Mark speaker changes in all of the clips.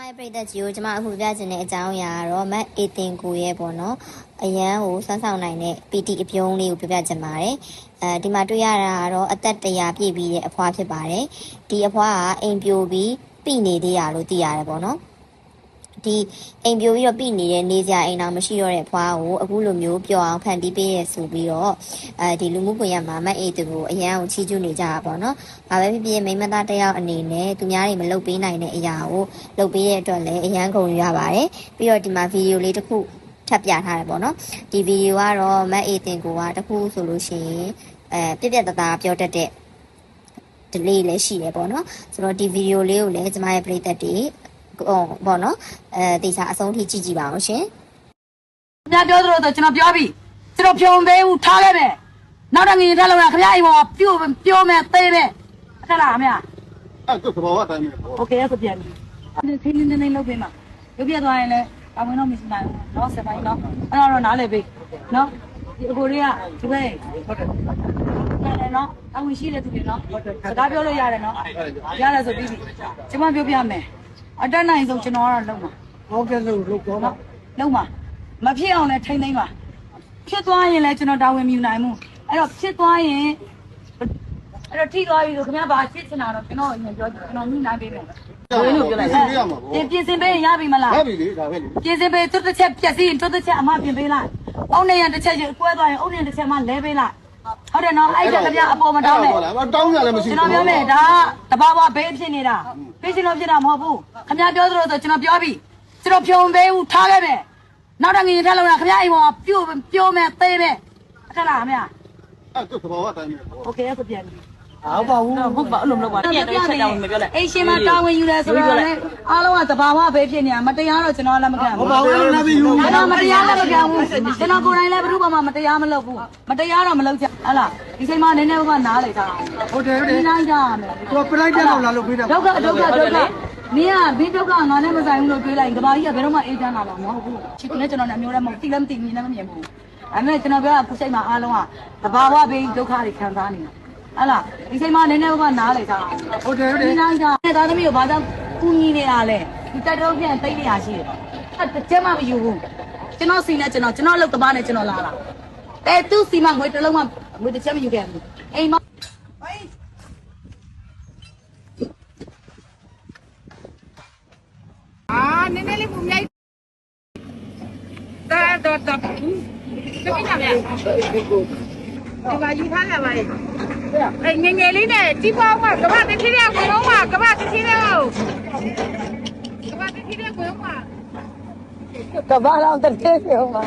Speaker 1: ရဲ့ပြည်သက်ကြီးကိုကျမအခုပြချင်တဲ့အကြောင်းအရာကတော့မတ်အေတင်ကိုရဲ့ပေါ့နော်အရန်ကိုစွမ်းဆောင်နိုင်တဲ့ PT အပြုံးလေးကိုပြချင်ပါတယ်ဒီမှာတွေ့ရတာကတော့အသက်100ပြည့်ပြီးတဲ့အဖွားဖြစ်ပါတယ်ဒီအဖွားကအိမ်ပြိုပြီးပြိနေသေးရလို့သိရတယ်ပေါ့နော်ဒီအိမ်ပြိုပြီးတော့ပြိနေတဲ့နေကြအိမ်တော်မရှိတော့တဲ့အဖွားကိုအခုလိုမျိုးပျော်အောင်ဖန်တီးပေးရဆိုပြီးတော့ဒီလူမှုကွန်ရက်မှာမတ်အေတင်ကိုအရန်ကိုချီးကျူးနေကြတာပေါ့နော်ဘာပဲဖြစ်ဖြစ်မိမသားတယောက်အနေနဲ့သူများတွေမလုပ်ပေးနိုင်တဲ့အရာကိုလုပ်ပေးတဲ့အတွက်လည်းအရန်ကုန်ရပါတယ်ပြီးတော့ဒီမှာဗီဒီယိုလေးတစ်ခုထပ်ပြထားတယ်ပေါ့နော်ဒီဗီဒီယိုကတော့မတ်အေတင်ကိုကတစ်ခုဆိုလို့ရှိရင်ပြပြတသားပြောတတ်တဲ့ဒီလေးလည်းရှိတယ်ပေါ့နော်ဆိုတော့ဒီဗီဒီယိုလေးကိုလည်းကျမရဲ့ပရိသတ်တွေပေါ့နော်တေချာအဆုံးထိကြည့်ကြည့်ပါအောင်ရှင်
Speaker 2: ခင်ဗျာပြောသလိုဆိုကျွန်တော်ပြောပြီကျွန်တော်ဖြုံသေးဘူးထားခဲ့မယ်နောက်တော့ငရင်ထက်လောက်ရခင်ဗျာအိမ်ပေါ်ပြောမယ်သေးမယ်အဲ့လားခင်ဗျာ
Speaker 3: အဲ့တော့ဘာဝတိုင်းပဲ
Speaker 2: โอเคအဲ့ဆိုပြန်ပြီခင်းနေလုပ်ပေးမှာရုပ်ပြသွားရင်လည်းအဝင်တော့မရှိနိုင်ဘူးเนาะဆက်ပိုင်းเนาะအဲ့တော့နားလည်ပေးเนาะဒီအကိုတွေကဒီဘက်ဟုတ်တယ်ရတယ်เนาะအဝင်ရှိတဲ့သူတွေเนาะစကားပြောလို့ရတယ်เนาะရတယ်ဆိုပြီးပြီကျွန်မပြောပြမယ်အတက်နိုင်ဆုံးကျွန်တော်ကတော့လုံးမှာ
Speaker 3: ဟုတ်ကဲ့လို့လုပ်တော့
Speaker 2: လုံးမှာမဖြစ်အောင်လည်းထိမ့်သိမ်းပါဖြစ်သွားရင်လည်းကျွန်တော်တာဝန်မယူနိုင်ဘူးအဲ့တော့ဖြစ်သွားရင်အဲ့တော့ထိသွားပြီဆိုခင်ဗျားဘာဖြစ်ချင်တာတော့ကျွန်တော်အရင်ပြောကျွန်တော်ညှိနှိုင်းပေးမယ်ဘယ်လိုပြောလိုက်ပြင်ဆင်ပေးရပြီမလား
Speaker 3: ရပြီလေဒါပဲလေ
Speaker 2: ပြင်ဆင်ပေးတွတ်တစ်ချက်ပြက်စီးတွတ်တစ်ချက်အမပြင်ပေးလိုက်အုံနေရတစ်ချက်ကွဲသွားရင်အုံနေတစ်ချက်မှလဲပေးလိုက်ဟုတ်တယ်နော်အဲ့ဒါခင်ဗျာအပေါ်မတောင်းနဲ့
Speaker 3: တောင်းရလည်းမရှိဘူး
Speaker 2: ကျွန်တော်ပြောမယ်ဒါတဘာဝဘေးဖြစ်နေတာဘေးရှင်လို့ဖြစ်တာမဟုတ်ဘူးခင်ဗျာပြောသလိုဆိုကျွန်တော်ပြောပြီကျွန်တော်ဖြုံသေးဘူးထားခဲ့မယ်နောက်တော့ငရင်ထက်လောက်ရခင်ဗျာအိမ်ပေါ်ပြောမယ်သေးမယ်အဲ့လားခင်ဗျာ
Speaker 3: အဲ့တော့ဘာဝတိုင်းပဲ
Speaker 2: โอเคအဲ့ဆိုပြန်ပြီ
Speaker 4: ဟုတ်ပါဘူးဟုတ်ပါအဲ့လိုမလုပ်ပါနဲ့ချက်တောင်းမပြောလိုက်
Speaker 2: အိမ်ရှင်မတာဝန်ယူတယ်ဆိုတော့လေအားလုံးကတဘာဝဘေးဖြစ်နေတာမတရားတော့ကျွန်တော်လည်းမခံဘူး
Speaker 3: ဟုတ်ပါဘူးနားပြီးယူ
Speaker 2: ကျွန်တော်မတရားလည်းမခံဘူးကျွန်တော်ကိုယ်တိုင်လည်းဘယ်သူမှမတရားမလုပ်ဘူးမတရားတော့မလုပ်ချင်ဟလားဒီချိန်မှာနည်းနည်းကနားလေတာ
Speaker 3: ဟုတ်တယ်ဟုတ်တယ်
Speaker 2: ဒီနိုင်ကြရမယ်
Speaker 3: သူပလိုက်တဲ့လောက်လာလို့ပေးတာ
Speaker 2: ဒုက္ခမင်းကဘင်းဒုက္ခငါနဲ့မဆိုင်ဘူးလို့တွေးလိုက်ကဘာကြီးကဘယ်တော့မှအေးချမ်းလာမှာမဟုတ်ဘူးချစ်နဲ့ကျွန်တော်လည်းအမျိုးလည်းမဟုတ်တိလည်းမသိမြင်လည်းမမြင်ဘူးဒါပေမဲ့ကျွန်တော်ပြောတာခုစိတ်မှာအားလုံးကတဘာဝဘေးဒုက္ခတွေခံစားနေတာဟလားဒီချိန်မှာနည်းနည်းကနားလေတာ
Speaker 3: ဟုတ်တယ်ဟုတ်တယ်
Speaker 2: ဒီနိုင်ကြတဲ့သားသမီးကိုဘာကြောင့်ကူညီနေတာလဲဒီတိုက်တော့ပြန်တိတ်နေရရှိတယ်အဲ့ကျမမယူဘူးကျွန်တော်စီနဲ့ကျွန်တော်အလုပ်တပားနဲ့ကျွန်တော်လာတဲ့သူစီမငွေတစ်လုံးမှငွေတစ်ချက်မယူခဲ့ဘူးအိမ်မ
Speaker 4: နည်းနည်းလေးပုံမြိုက်တော်ပြပြကြမယ်ဒီပါယူထားလာပါလေငယ်ငယ်လေးနဲ့ကြီးပွားမှကမ္ဘာတစ်ထီးတဲ့ဝင်တော့မှကမ္ဘာတစ်ထီးတဲ့ဟုတ်ကမ္ဘာတစ်ထီးတဲ့ဝင်တော့မှ
Speaker 2: ကဘာလောက်တစ်ထည့်ပြောမှာ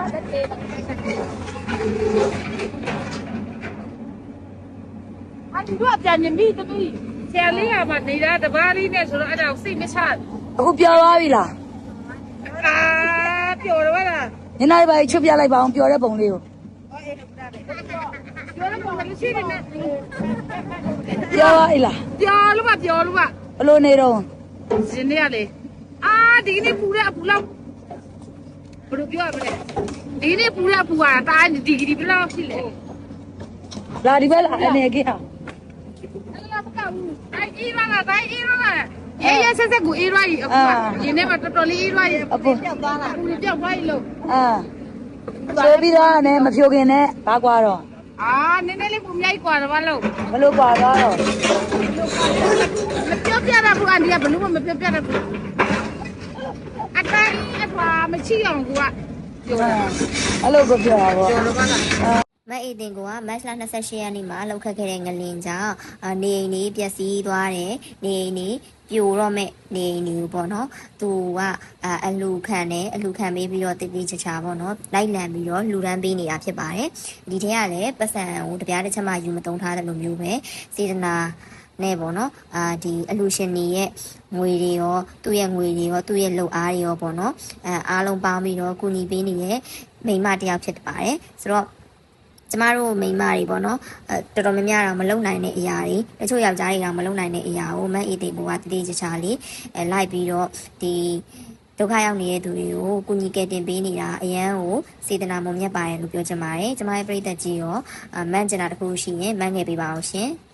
Speaker 4: အဲ့ဒီတော့ပြန်နေပြီတပည့်ဆရာလေးကမှနေတာတပါးလေးနဲ့ဆိုတော့အဲ့ဒါစိတ်မချ
Speaker 2: အခုပြောသွားပြီလား
Speaker 4: ပျော်တော့လား
Speaker 2: ညနေပိုင်းချွတ်ပြလိုက်ပါအောင်ပျော်တဲ့ပုံလေးကို
Speaker 4: ပြောတော့ဘာလို့ရှိနေလဲ
Speaker 2: ပြောပါလား
Speaker 4: ပြောလို့ပါ
Speaker 2: ဘလို့နေတော့
Speaker 4: ရှင်နေရလေဒီနေ့ပူတဲ့အပူလောက်ဘယ်လိုပြောရမလဲဒီနေ့ပူတဲ့အပူကတားဒီဂရီဘယ်လောက်ရှိလဲ
Speaker 2: လာဒီဘက်လာအနေကြီးဟာ
Speaker 4: အဲ့လားမကဘူးအေးရလားအေးရဆက်ကိုအေးရကြီးအခုကဒီနေ့မှတော်တော်လေးအေးရကြီးအပူပြောက်သွားလားပူပြောက်သွားပြီလို့
Speaker 2: ဆိုပြီးတော့လည်းမဖြိုခင်နဲ့ဘာကွာတော့
Speaker 4: နည်းနည်းလေးပူမြိုက်กว่าတော့ဘာလို့
Speaker 2: ဘလို့ကွာတော့
Speaker 4: မပြောပြတာဘူးအန်ဒီကဘလို့မပြောပြတာဘူးအတိုင်းအထွာမရှိအောင်ကူကပြောတာ
Speaker 2: အဲ့လိုပြောတာပေါ့
Speaker 4: ပြောလို့ပါလား
Speaker 1: မတ်အေတင်ကိုကမတ်လ28ရက်နေ့မှာလောက်ခတ်ခဲ့တဲ့ငလင်ကြောင့်နေအိမ်လေးပျက်စီးသွားတယ်နေအိမ်လေးပြိုတော့မဲ့နေအိမ်လေးပေါ့နော်သူကအလူခံပေးပြီးတော့တည်တည်ချာပေါ့နော်လိုက်လံပြီးတော့လူရန်ပေးနေတာဖြစ်ပါတယ်ဒီထဲကလည်းပတ်စံကိုတပြားတစ်ချက်မှယူမသုံးထားတယ်လို့မျိုးပဲစေတနာနဲ့ပေါ့နော်ဒီအလူရှင်တွေရဲ့ငွေတွေရောသူ့ရဲ့ငွေတွေရောသူ့ရဲ့လုပ်အားတွေရောပေါ့နော်အားလုံးပေါင်းပြီးတော့ကူညီပေးနေတဲ့မိန်းမတစ်ယောက်ဖြစ်ပါတယ်ဆိုတော့ကျမတို့မိန်းမတွေပေါ့နော်တော်တော်များများတော့မလုံနိုင်တဲ့အရာတွေတချို့ယောက်ျားတွေတော့မလုံနိုင်တဲ့အရာကိုမတ်အေးတေဘိုကတတိချာလေးလိုက်ပြီးတော့ဒီဒုက္ခရောက်နေတဲ့သူတွေကိုကူညီကယ်တင်ပေးနေတာအရန်ကိုစေတနာမုံမြတ်ပါတယ်လို့ပြောချင်ပါတယ်ကျမရဲ့ပရိသတ်ကြီးရောမန့်ကျင်တာတခုရှိရင်မန့်ငယ်ပေးပါအောင်ရှင်